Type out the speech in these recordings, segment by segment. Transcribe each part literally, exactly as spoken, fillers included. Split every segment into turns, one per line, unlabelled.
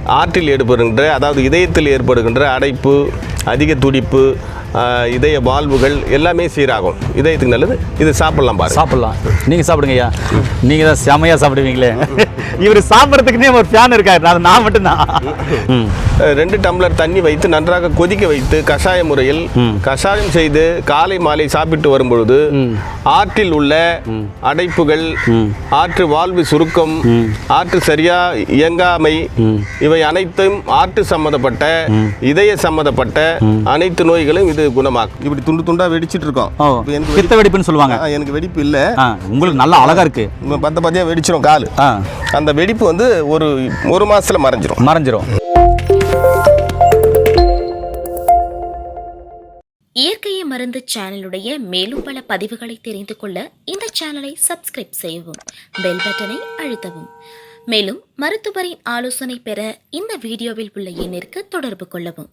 ஆற்றில் ஏற்படுகின்ற அதாவது இதயத்தில் ஏற்படுகின்ற அடைப்பு, அதிக துடிப்பு, இதய வால்வுகள் எல்லாமே சீராகும். இதயத்துக்கு நல்லது. இது சாப்பிடலாம் பாரு.
சாப்பிடலாம். நீங்கள் சாப்பிடுங்க ஐயா. நீங்கள் தான் செமையாக சாப்பிடுவீங்களே. இவர் சாப்பிட்றதுக்குன்னே ஒரு ஃபேன் இருக்காரு. அது நான் மட்டும்தான்.
ரெண்டு டம்ளர் தண்ணி வைத்து நன்றாக கொதிக்க வைத்து கஷாய முறையில் கஷாயம் செய்து காலை மாலை சாப்பிட்டு வரும்பொழுது ஆற்றில் உள்ள அடைப்புகள், ஆற்று வாழ்வு சுருக்கம், ஆற்று சரியா இயங்காமை இவை அனைத்தும் ஆற்று சம்பந்தப்பட்ட இதய சம்பந்தப்பட்ட அனைத்து நோய்களும் இது குணமாக்கும். இப்படி துண்டு துண்டா வெடிச்சிட்டு இருக்கோம்.
பித்த வெடிப்புன்னு சொல்லுவாங்க.
எனக்கு வெடிப்பு இல்ல.
உங்களுக்கு நல்லா அழகா இருக்கு.
பத்த பத்தியா வெடிச்சிரும் கால். அந்த வெடிப்பு வந்து ஒரு ஒரு மாசத்துல மறைஞ்சிரும்
மறைஞ்சிரும்
இயற்கையை மருந்து சேனலுடைய மேலும் பல பதிவுகளை தெரிந்து கொள்ள இந்த சேனலை சப்ஸ்கிரைப் செய்யவும், பெல் பட்டனை அழுத்தவும். மேலும் மருத்துவரின் ஆலோசனை பெற இந்த வீடியோவில் உள்ள எண்ணிற்கு தொடர்பு கொள்ளவும்.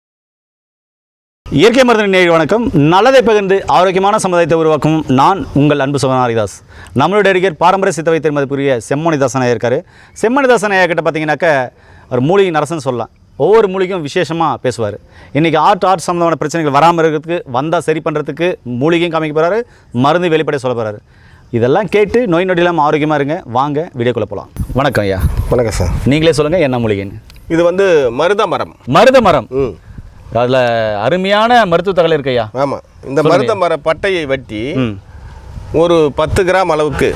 இயற்கை மருந்து நேயர் வணக்கம். நல்லதை பகிர்ந்து ஆரோக்கியமான சமுதாயத்தை உருவாக்கும் நான் உங்கள் அன்பு சகோதரன் ஹரிதாஸ். நம்மளுடைய நடிகர் பாரம்பரிய சித்த வைத்தியர் மதிப்புரிய செம்மணிதாசன் ஐயா இருக்கார். செம்மணிதாசன் ஐயா கிட்ட பார்த்தீங்கன்னாக்க ஒரு மூலிகை நரசன் சொல்லலாம். ஒவ்வொரு மூலிகையும் விசேஷமாக பேசுவார். இன்றைக்கி ஆர்ட் ஆர்ட் சம்மந்தமான பிரச்சனைகள் வராமல் இருக்கிறதுக்கு, வந்தால் சரி பண்ணுறதுக்கு மூலிகையும் காமிக்க போகிறாரு, மருந்து வெளிப்படைய சொல்ல போகிறாரு. இதெல்லாம் கேட்டு நோய் நொடி இல்லாமல் ஆரோக்கியமாக இருங்க. வாங்க வீடியோக்குள்ளே போகலாம். வணக்கம் ஐயா.
வணக்கம் சார்.
நீங்களே சொல்லுங்கள் என்ன மூலிகைன்னு.
இது வந்து மருத மரம்.
மருத மரம். ம் அதில் அருமையான மருத்துவ தகவல் இருக்கு ஐயா.
ஆமாம். இந்த மருத மர பட்டையை வெட்டி ஒரு பத்து கிராம் அளவுக்கு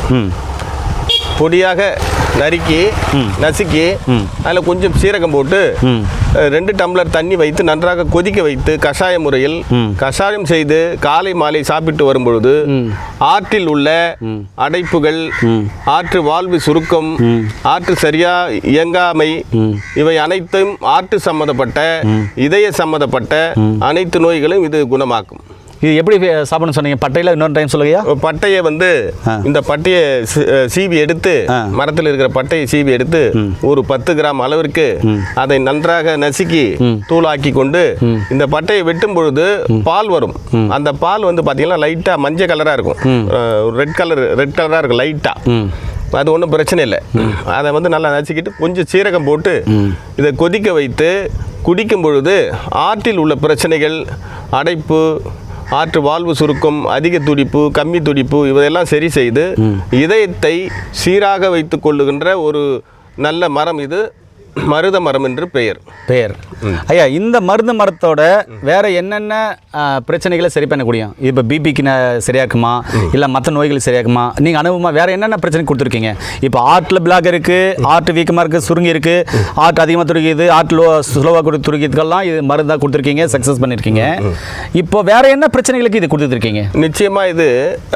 பொடியாக நறுக்கி நசுக்கி அதில் கொஞ்சம் சீரகம் போட்டு ரெண்டு டம்ளர் தண்ணி வைத்து நன்றாக கொதிக்க வைத்து கஷாய முறையில் கஷாயம் செய்து காலை மாலை சாப்பிட்டு வரும்பொழுது ஆற்றில் உள்ள அடைப்புகள், ஆற்று வாழ்வு சுருக்கம், ஆற்று சரியா இயங்காமை இவை அனைத்தும் ஆற்று சம்பந்தப்பட்ட இதய சம்பந்தப்பட்ட அனைத்து நோய்களும் இது குணமாக்கும்.
இது எப்படி சாப்பிடணும் சொன்னீங்க? பட்டையில் இன்னொரு டைம் சொல்லுங்கய்யா.
பட்டையை வந்து இந்த பட்டையை சீவி எடுத்து, மரத்தில் இருக்கிற பட்டையை சீவி எடுத்து ஒரு பத்து கிராம் அளவிற்கு அதை நன்றாக நசுக்கி தூளாக்கி கொண்டு இந்த பட்டையை வெட்டும் பொழுது பால் வரும். அந்த பால் வந்து பார்த்தீங்கன்னா லைட்டாக மஞ்சள் கலராக இருக்கும், ரெட் கலர் ரெட் கலராக இருக்கும் லைட்டாக. அது ஒன்றும் பிரச்சனை இல்லை. அதை வந்து நல்லா நசுக்கிட்டு கொஞ்சம் சீரகம் போட்டு இதை கொதிக்க வைத்து குடிக்கும் பொழுது ஆற்றில் உள்ள பிரச்சனைகள், அடைப்பு, ஆற்று வாழ்வு சுருக்கம், அதிக துடிப்பு, கம்மி துடிப்பு இவையெல்லாம் சரி செய்து இதயத்தை சீராக வைத்து கொள்ளுகின்ற ஒரு நல்ல மரம் இது மருத மரம் என்று பெயர்.
பெயர் ஐயா. இந்த மருத மரத்தோட வேற என்னென்ன பிரச்சனைகளை சரி பண்ணக்கூடிய, இப்போ பிபிக்கு சரியாக்குமா இல்லை மற்ற நோய்கள் சரியாக்குமா? நீங்கள் அனுபவமாக வேற என்னென்ன பிரச்சனை கொடுத்துருக்கீங்க? இப்போ ஆர்ட்டில் பிளாக் இருக்குது, ஆர்ட் வீக்கமாக இருக்குது, சுருங்கி இருக்குது, ஆர்ட் அதிகமாக துருக்கிது, ஆர்ட் லோ ஸ்லோவாக கொடு துருக்கிதுக்கெல்லாம் இது மருந்தாக கொடுத்துருக்கீங்க, சக்ஸஸ் பண்ணியிருக்கீங்க. இப்போ வேற என்ன பிரச்சனைகளுக்கு இது கொடுத்துருக்கீங்க?
நிச்சயமாக இது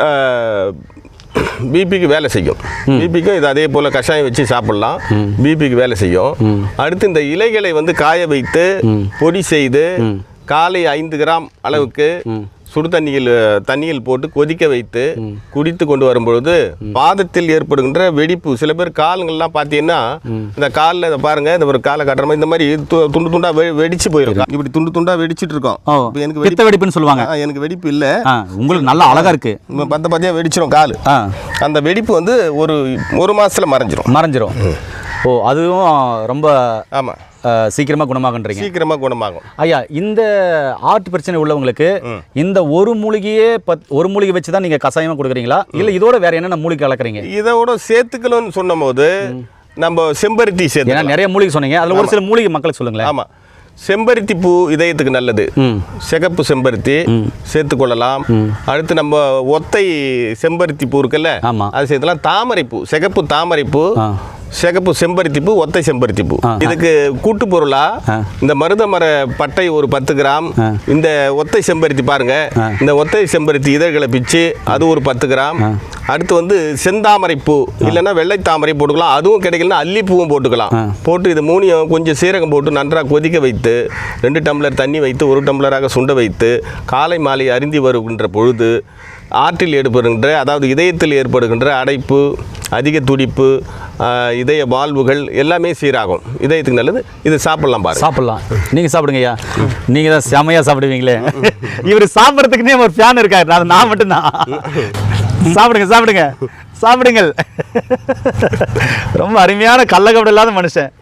பிபிக்கு வேலை செய்யும். பிபிக்கும் இது அதே போல் கஷாயம் வச்சு சாப்பிடலாம். பிபிக்கு வேலை செய்யும். அடுத்து இந்த இலைகளை வந்து காய வைத்து பொடி செய்து காலை ஐந்து கிராம் அளவுக்கு சுடு தண்ணியில் தண்ணியில் போட்டு கொதிக்க வைத்து குடித்து கொண்டு வரும்பொழுது பாதத்தில் ஏற்படுகின்ற வெடிப்பு, சில பேர் கால்கள்லாம் பார்த்தீங்கன்னா இந்த காலில் இதை பாருங்க, இந்த ஒரு காலை கட்டுற மாதிரி இந்த மாதிரி துண்டு துண்டா வெடிச்சு போயிருக்கும். இப்படி துண்டு துண்டா வெடிச்சிட்டு இருக்கோம்.
எனக்கு பித்த வெடிப்புன்னு சொல்லுவாங்க.
எனக்கு வெடிப்பு இல்லை.
உங்களுக்கு நல்லா அழகா இருக்கு.
பத்த பத்தியா வெடிச்சிரும் கால். அந்த வெடிப்பு வந்து ஒரு ஒரு மாசத்துல மறைஞ்சிரும் மறைஞ்சிரும்
ஓ, அதுவும் ரொம்ப
ஆமாம்
சீக்கிரமாக குணமாகன்றீங்க.
சீக்கிரமாக குணமாகும்
ஐயா. இந்த ஆர்ட் பிரச்சனை உள்ளவங்களுக்கு இந்த ஒரு மூலிகையே பத் ஒரு மூலிகை வச்சு தான் நீங்கள் கஷாயமாக கொடுக்குறீங்களா, இல்லை இதோட வேற என்னென்ன மூலிகை கலக்குறீங்க?
இதோட சேர்த்துக்கணும்னு சொன்னும் போது நம்ம செம்பருத்தி சேர்த்து,
ஏன்னா நிறைய மூலிகை சொன்னீங்க, அதில் ஒரு சில மூலிகை மக்களுக்கு சொல்லுங்களேன்.
ஆமாம். செம்பருத்தி பூ இதயத்துக்கு நல்லது. சிகப்பு செம்பருத்தி சேர்த்துக்கொள்ளலாம். அடுத்து நம்ம ஒத்தை செம்பருத்தி பூ இருக்குல்ல, அது சேர்த்துலாம். தாமரை பூ, சிகப்பு தாமரை பூ, சிகப்பு செம்பருத்தி பூ, ஒத்தை செம்பருத்தி பூ. இதுக்கு கூட்டு பொருளா இந்த மருத மர பட்டை ஒரு பத்து கிராம், இந்த ஒத்தை செம்பருத்தி பாருங்க, இந்த ஒத்தை செம்பருத்தி இதழ்களை பிச்சு அது ஒரு பத்து கிராம். அடுத்து வந்து செந்தாமரை பூ இல்லைன்னா வெள்ளை தாமரை போட்டுக்கலாம். அதுவும் கிடைக்கலன்னா அல்லிப்பூவும் போட்டுக்கலாம். போட்டு இது மூணையும் கொஞ்சம் சீரகம் போட்டு நன்றாக கொதிக்க வைத்து ரெண்டு டம்ளர் தண்ணி வைத்து ஒரு டம்ளராக சுண்ட வைத்து காலை மாலை அருந்தி வருகின்ற பொழுது ஆற்றில் ஏற்படுகின்ற அதாவது இதயத்தில் ஏற்படுகின்ற அடைப்பு, அதிக துடிப்பு, இதய வால்வுகள் எல்லாமே சீராகும். இதயத்துக்கு நல்லது. இது சாப்பிடலாம் பாரு.
சாப்பிடலாம். நீங்கள் சாப்பிடுங்க ஐயா. நீங்கள் தான் செமையாக சாப்பிடுவீங்களே. இவர் சாப்பிட்றதுக்குன்னே ஒரு ஃபேன் இருக்காரு. அது நான் மட்டும்தான். சாப்பிடுங்க சாப்பிடுங்க சாப்பிடுங்கள். ரொம்ப அருமையான கள்ளக்கபடம் இல்லாத மனுஷன்.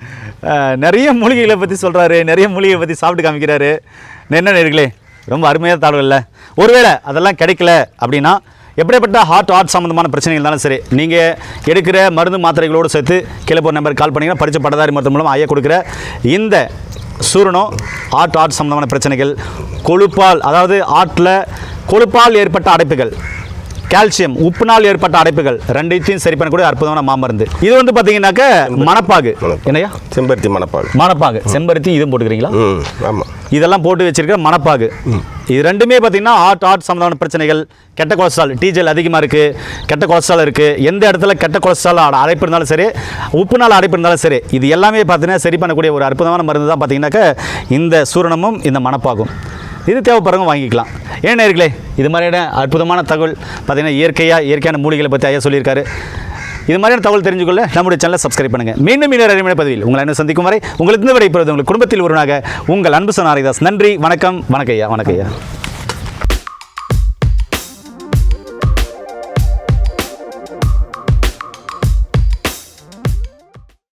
அஹ், நிறைய மூலிகைகளை பற்றி சொல்கிறாரு, நிறைய மூலிகையை பற்றி சாப்பிட்டு காமிக்கிறாரு. என்ன நேர்களே, ரொம்ப அருமையாக தாழ்வு. ஒருவேளை அதெல்லாம் கிடைக்கல அப்படின்னா எப்படிப்பட்ட ஹார்ட் ஹார்ட் சம்மந்தமான பிரச்சனைகள் இருந்தாலும் சரி, நீங்கள் எடுக்கிற மருந்து மாத்திரைகளோடு சேர்த்து கீழே போகிற நம்பருக்கு கால் பண்ணிங்கன்னா படித்த பட்டதாரி மருத்துவம் மூலம் ஐயா கொடுக்குற இந்த சூரணம் ஹார்ட் ஹார்ட் சம்மந்தமான பிரச்சனைகள், கொழுப்பால் அதாவது ஹார்ட்டில் கொழுப்பால் ஏற்பட்ட அடைப்புகள், கால்சியம் உப்புனால் ஏற்பட்ட அடைப்புகள் ரெண்டையும் சரி பண்ணக்கூடிய அற்புதமான மாமருந்து. இது வந்து பார்த்தீங்கன்னாக்க மணப்பாகு. என்னையா?
செம்பருத்தி மணப்பாகு.
மணப்பாகு செம்பருத்தி இதுவும் போட்டுக்கிறீங்களா?
ம் ஆமாம்.
இதெல்லாம் போட்டு வச்சிருக்கிற மணப்பாகு. இது ரெண்டுமே பார்த்தீங்கன்னா ஹார்ட் ஹார்ட் சம்மந்தமான பிரச்சனைகள், கெட்ட கொலஸ்ட்ரால், டீஜல் அதிகமாக இருக்குது, கெட்ட கொலஸ்ட்ரால் இருக்குது, எந்த இடத்துல கெட்ட கொலஸ்ட்ரால் அடைப்பு இருந்தாலும் சரி, உப்புனால் அடைப்பு இருந்தாலும் சரி, இது எல்லாமே பார்த்தீங்கன்னா சரி பண்ணக்கூடிய ஒரு அற்புதமான மருந்து தான் பார்த்தீங்கன்னாக்க இந்த சூரணமும் இந்த மணப்பாகும். இது தேவைப்படுறவங்க வாங்கிக்கலாம். ஏன் நேர்களே, இது மாதிரியான அற்புதமான தகவல் பார்த்தீங்கன்னா இயற்கையாக இயற்கையான மூலிகளை பற்றி ஐயா சொல்லியிருக்காரு. இது மாதிரியான தகவல் தெரிஞ்சுக்கொள்ள நம்முடைய சேனலை சப்ஸ்கிரைப் பண்ணுங்கள். மீண்டும் இன்னொரு அருமையான பதிவில் உங்களை என்ன சந்திக்கும் வரை உங்களுக்கு இந்த விடைபெறுவது உங்கள் குடும்பத்தில் ஒருவனாக உங்கள் அன்பு சொன்ன ஹரிதாஸ். நன்றி, வணக்கம். வணக்கம் ஐயா. வணக்கம் ஐயா.